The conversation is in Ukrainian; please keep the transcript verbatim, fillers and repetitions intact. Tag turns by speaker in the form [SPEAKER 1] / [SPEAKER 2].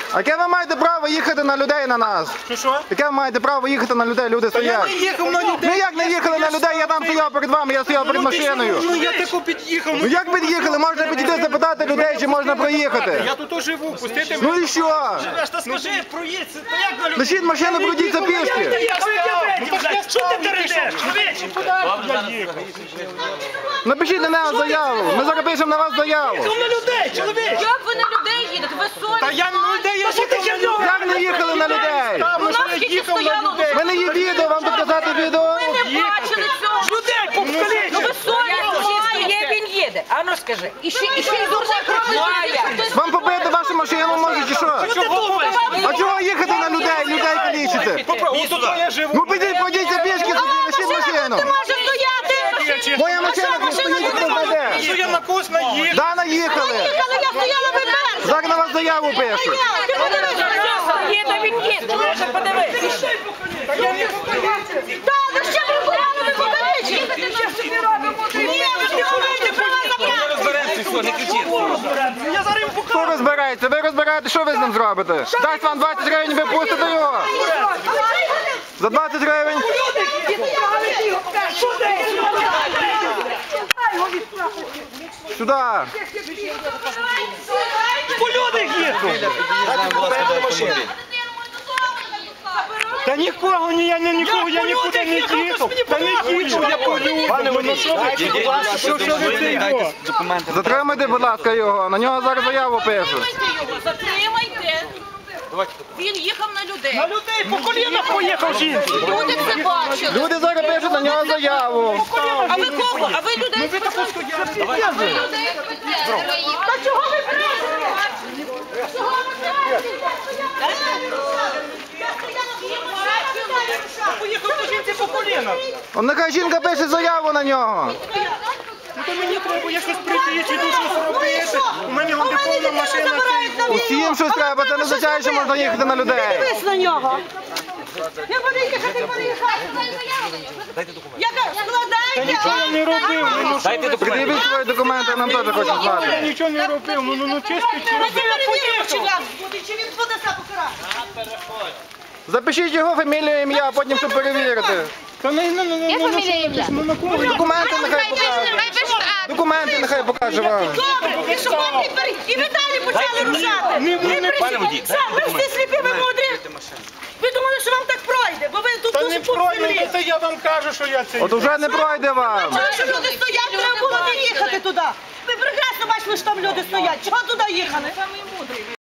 [SPEAKER 1] А яке ви маєте право їхати на людей, на нас?
[SPEAKER 2] Що, що?
[SPEAKER 1] Яке ви маєте право їхати на людей, люди
[SPEAKER 2] Та я
[SPEAKER 1] стоять?
[SPEAKER 2] не їхав на людей.
[SPEAKER 1] Ну як не їхали на людей, я там стояв перед вами, я стояв перед
[SPEAKER 2] Ну, ти ж,
[SPEAKER 1] машиною.
[SPEAKER 2] Ну я тако під'їхав.
[SPEAKER 1] Ну як під'їхали? Можна підійти запитати людей, чи можна проїхати.
[SPEAKER 2] Я тут живу, пустити
[SPEAKER 1] Ну і що?
[SPEAKER 3] Та скажи, проїдь, то як на людей?
[SPEAKER 1] Лишіть машину, пройдіться пішки.
[SPEAKER 3] Що ти тередеш?
[SPEAKER 1] Напишіть на нас заяву. Ми зараз пишемо на вас заяву.
[SPEAKER 3] На людей, чоловік!
[SPEAKER 4] Як ви на людей їдете? Ви
[SPEAKER 2] Та
[SPEAKER 4] совість?
[SPEAKER 2] я на людей, я їхав на людей.
[SPEAKER 1] Як не їхали на людей?
[SPEAKER 2] Там,
[SPEAKER 4] У
[SPEAKER 2] ну, що
[SPEAKER 4] нас
[SPEAKER 2] я
[SPEAKER 4] тільки
[SPEAKER 2] їхав на
[SPEAKER 4] стояло.
[SPEAKER 2] людей.
[SPEAKER 1] У мене є відео, вам доказати відео.
[SPEAKER 4] Ми не бачили цього.
[SPEAKER 3] Людей повкалічить!
[SPEAKER 4] Ну ви совість
[SPEAKER 5] Є, він їде. А ну скажи. І ще, і ще й дурне пропливає.
[SPEAKER 1] Вам побити вашу машину може чи що? А чого їхати на людей, людей калічити?
[SPEAKER 2] Ось тут я живу.
[SPEAKER 1] Ну підіть, пройдіться пішки, лишіть машину.
[SPEAKER 4] може стояти.
[SPEAKER 1] Моя машина тут стоїть, хто знайде.
[SPEAKER 2] Що я на когось наїхав?
[SPEAKER 1] Да, наїхали.
[SPEAKER 4] Але я стояла би перша.
[SPEAKER 1] Зараз на вас заяву пишуть.
[SPEAKER 4] Ти подивися.
[SPEAKER 5] Їде, він їде. Лише подивись.
[SPEAKER 4] Та, ну ще ви гуляли, ви покалічили. Ні, ви не говорите про вас забрати.
[SPEAKER 3] Я зараз їм покажу!
[SPEAKER 1] Хто розбирається? Ви розбираєте, що ви з ним зробите? Дасть вам двадцять гривень, ви пустите його. За двадцять гривень. Сюди.
[SPEAKER 3] По людях їхав!
[SPEAKER 2] Та нікого, ні, я не нікого, я нікуди не їхав. Та не їхав, я по людях. Ну що ви, що, що ви це його?
[SPEAKER 1] Затримайте, будь ласка, його. На нього зараз заяву пишуть.
[SPEAKER 4] Затримайте його, затримайте. Він їхав на людей.
[SPEAKER 3] На людей по колінах поїхав жінці!
[SPEAKER 4] Люди це бачили.
[SPEAKER 1] Люди зараз пишуть на нього заяву.
[SPEAKER 4] А ви кого? А ви людей спитали? Та чого ви прийшли? Чого ви
[SPEAKER 3] Поїхав до жінці по колінах!
[SPEAKER 1] Он нехай жінка пише заяву на нього.
[SPEAKER 2] Ну то мені треба, я щось прийти, чи тут щось робити. У мене вон де повна машина.
[SPEAKER 1] Усім щось треба, це не означає, що можна їхати на людей.
[SPEAKER 4] Дивись на нього. Я буду їхати, буду їхати. Яка? Складайте.
[SPEAKER 2] Нічого я не робив. Ну, що ви?
[SPEAKER 1] Придивіть свої документи, нам теж хочуть
[SPEAKER 2] Я
[SPEAKER 1] знати.
[SPEAKER 2] нічого не робив. Ну, ну, ну, чисто, чисто.
[SPEAKER 4] Ми перевіримо, чи вам буде, чи він подасть покарати.
[SPEAKER 1] Запишіть його фамілію, ім'я, а потім щоб перевірити.
[SPEAKER 2] Та ну, ну, ну, ну, ну, ну, що ви? Ну, на кого?
[SPEAKER 1] Документи нехай покаже. Документи нехай покаже вам.
[SPEAKER 4] Добре, і що вам тепер? І ви далі почали рушати.
[SPEAKER 2] Не, не, не,
[SPEAKER 4] Сам, ви всі сліпі, ви мудрі. Ви думали, що вам так пройде, бо ви тут
[SPEAKER 2] Та
[SPEAKER 4] дуже
[SPEAKER 2] не
[SPEAKER 4] пух
[SPEAKER 2] пройде,
[SPEAKER 4] землі.
[SPEAKER 2] це я вам кажу, що я це.
[SPEAKER 1] От уже не пройде вам.
[SPEAKER 4] Бачили, що люди стоять, треба було не їхати туди. Ви прекрасно бачили, що там люди стоять. Чого туди їхали?